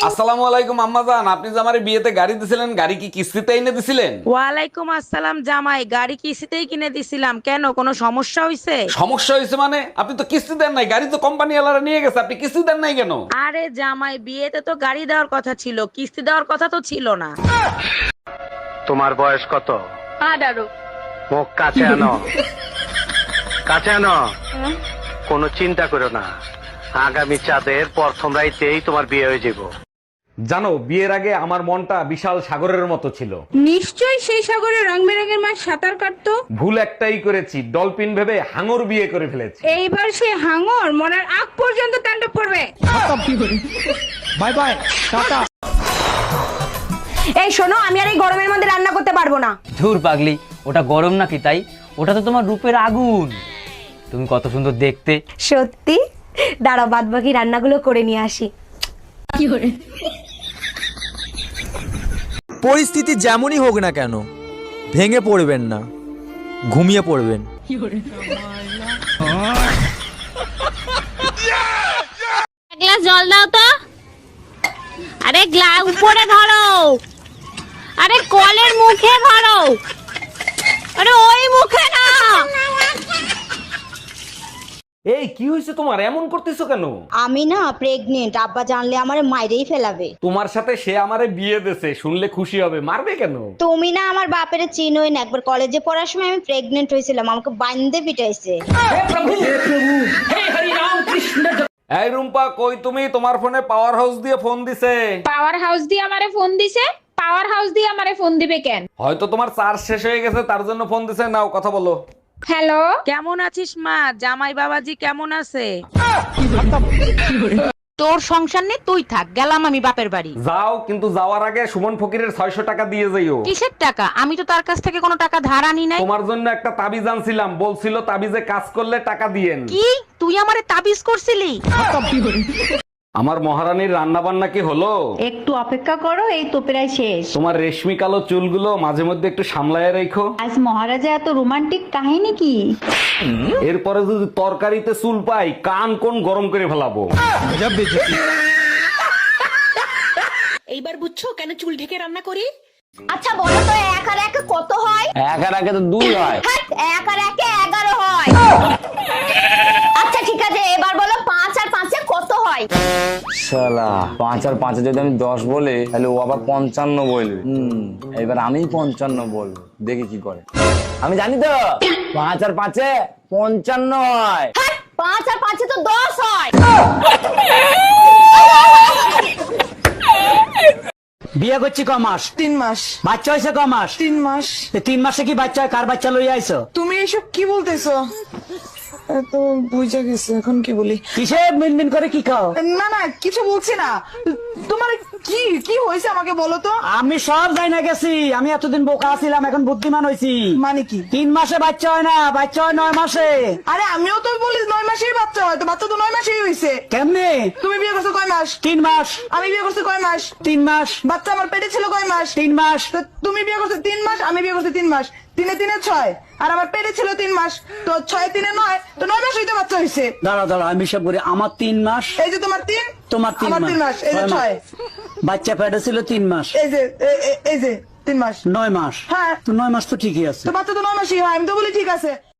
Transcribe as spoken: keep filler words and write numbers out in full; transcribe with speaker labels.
Speaker 1: আসসালামু আলাইকুম আম্মাজান, আপনি যে আমারে বিয়েতে গাড়ি দিছিলেন, গাড়ি কি কিস্তিতে এনে দিছিলেন?
Speaker 2: ওয়ালাইকুম আসসালাম জামাই, গাড়ি কিস্তিতেই কিনে দিছিলাম। কেন, কোনো সমস্যা হয়েছে?
Speaker 1: সমস্যা হয়েছে মানে? আপনি তো কিস্তি দেন নাই, গাড়ি তো কোম্পানি ওয়ালারা নিয়ে গেছে, আপনি কিস্তি দেন নাই কেন?
Speaker 2: আরে জামাই, বিয়েতে তো গাড়ি দেওয়ার কথা ছিল, কিস্তি দেওয়ার কথা তো ছিল না।
Speaker 3: তোমার বয়স কত?
Speaker 2: আঠারো।
Speaker 3: মুখ কাছে আনো, কাছে আনো। কোনো চিন্তা করো না, আগামী চাঁদের প্রথম রাইতেই তোমার বিয়ে হয়ে যাব।
Speaker 1: জানো, বিয়ের আগে আমার মনটা বিশাল সাগরের মতো ছিল।
Speaker 4: নিশ্চয়ই সেই সাগরে রং বেরঙের মাছ সাঁতার কাটতো।
Speaker 1: ভুল একটাই করেছি, ডলফিন ভেবে হাঙর বিয়ে করে ফেলেছি।
Speaker 4: এইবার সে হাঙর মরার আগ পর্যন্ত তাণ্ডব করবে।
Speaker 5: Bye bye, tata.
Speaker 6: এই শোনো, আমি আর এই গরমের মধ্যে রান্না করতে পারবো না।
Speaker 7: ধুর পাগলি, ওটা গরম নাকি তাই? ওটা তো তোমার রূপের আগুন। তুমি কত সুন্দর দেখতে।
Speaker 6: সত্যি? দাঁড়াও, বাদ বাকি রান্নাগুলো করে নিয়ে আসি।
Speaker 5: পরিস্থিতি যেমনই হোক না কেন, ভেঙে পড়বেন না, ঘুমিয়ে পড়বেন।
Speaker 8: গ্লাস জল দাও তো। আরে গ্লাস উপরে ধরো, আরে কলের মুখে ধরো, আরে ওই মুখে না।
Speaker 1: এই কি হয়েছে তোমার, এমন করতেছো কেন?
Speaker 9: আমি না প্রেগনেন্ট, আব্বা জানলে আমার মাইরেই ফেলাবে।
Speaker 1: তোমার সাথে সে আমারে বিয়ে দেছে, শুনলে খুশি হবে, মারবে কেন?
Speaker 9: তুমি না আমার বাপের চিনোই না, একবার কলেজে পড়ার সময় আমি প্রেগনেন্ট হয়েছিলাম, আমাকে বান্ধে পিটাইছে।
Speaker 1: এই রুম্পা, কই তুমি? তোমার ফোনে পাওয়ার হাউস দিয়ে ফোন দিছে।
Speaker 4: পাওয়ার হাউস দিয়ে আমারে ফোন দিছে? পাওয়ার হাউস দিয়ে আমারে ফোন দিবে কেন?
Speaker 1: হয়তো তোমার চার্জ শেষ হয়ে গেছে, তার জন্য ফোন দিছে। নাও কথা বলো।
Speaker 4: হ্যালো,
Speaker 2: কেমন আছিস মা? জামাই বাবাজি কেমন আছে?
Speaker 6: তোর সংসার নেই, তুই থাক, গেলাম আমি বাপের বাড়ি।
Speaker 1: যাও, কিন্তু যাওয়ার আগে সুমন ফকিরের ছয়শ টাকা দিয়ে যাইও।
Speaker 6: কিসের টাকা? আমি তো তার কাছ থেকে কোনো টাকা ধার আনি নাই।
Speaker 1: তোমার জন্য একটা তাবিজ আনছিলাম, বলছিল তাবিজে কাজ করলে টাকা দিয়েন।
Speaker 6: কি তুই আমারে তাবিজ করছিলি?
Speaker 1: আমার মহারানীর রান্না বান্না কি হলো?
Speaker 9: একটু অপেক্ষা করো, এই তো প্রায় শেষ।
Speaker 1: তোমার রেশমি কালো চুলগুলো মাঝে মধ্যে একটু সামলায় রেখো।
Speaker 9: আজ মহারাজা এত রোমান্টিক কাহিনী কি?
Speaker 1: এরপরে যদি তরকারিতে চুল পাই, কান কোন গরম করে ফেলাবো।
Speaker 6: এইবার বুঝছো কেন চুল ঢেকে রান্না করি? আচ্ছা বলো তো, এক আর এক কত হয়?
Speaker 1: এক আর একে তো দুই হয়।
Speaker 6: হ্যাঁ, এক আর একে এগারো হয়। আচ্ছা ঠিক আছে, এবার বলো পাঁচ আর পাঁচে কত হয়?
Speaker 7: শালা, পাঁচ আর পাঁচে যদি আমি দশ বলি, তাহলে ও আবার পঞ্চান্ন বলবে। হুম, এবার আমি পঞ্চান্ন বলবো, দেখি কি করে। আমি জানি তো, পাঁচ আর পাঁচে পঞ্চান্ন হয়।
Speaker 6: হ্যাঁ, পাঁচ আর পাঁচে তো দশ হয়।
Speaker 10: বিয়ে করছি ক মাস? তিন মাস। বাচ্চা হয়েছে ক মাস? তিন মাস। তিন মাসে কি বাচ্চা হয়? কার বাচ্চা লইয়া আইছো?
Speaker 4: তুমি এসব কি বলতেছো? তো বুঝা গেছে, এখন কি বলি?
Speaker 10: কিসে মিনমিন করে কি খাও?
Speaker 4: না না, কিছু বলছি না। তোমার কি কি হয়েছে আমাকে বলো তো।
Speaker 10: আমি সব যাই না গেছি, আমি এতদিন বোকা ছিলাম, এখন বুদ্ধিমান হয়েছি।
Speaker 4: মানে কি?
Speaker 10: তিন মাসে বাচ্চা হয় না, বাচ্চা হয় নয় মাসে।
Speaker 4: আরে আমিও তো বলি নয় মাসেই বাচ্চা হয়, তো বাচ্চা তো নয় মাসেই হয়েছে।
Speaker 10: কেমনে?
Speaker 4: তুমি বিয়ে করছো কয় মাস?
Speaker 10: তিন মাস।
Speaker 4: আমি বিয়ে করছি কয় মাস?
Speaker 10: তিন মাস।
Speaker 4: বাচ্চা আমার পেটে ছিল কয় মাস?
Speaker 10: তিন মাস।
Speaker 4: তো তুমি বিয়ে করছো তিন মাস, আমি বিয়ে করছি তিন মাস, তিনে তিনে ছয়, আর আমার পেটে ছিল তিন মাস, তো ছয় তিনে নয়, তো নয় মাস হইতে বাচ্চা হয়েছে।
Speaker 10: দাঁড়া দাঁড়া, আমি সব করি। আমার তিন মাস,
Speaker 4: এই যে তোমার তিন,
Speaker 10: তোমার তিন
Speaker 4: আমার তিন মাস, এই যে ছয়।
Speaker 10: বাচ্চা পেটে ছিল তিন মাস,
Speaker 4: এই যে এ- এ- এই যে তিন মাস,
Speaker 10: নয় মাস।
Speaker 4: হ্যাঁ।
Speaker 10: তো নয় মাস তো ঠিকই আছে।
Speaker 4: তো বাচ্চা তো নয় মাসই হয়, আমি তো বলি ঠিক আছে।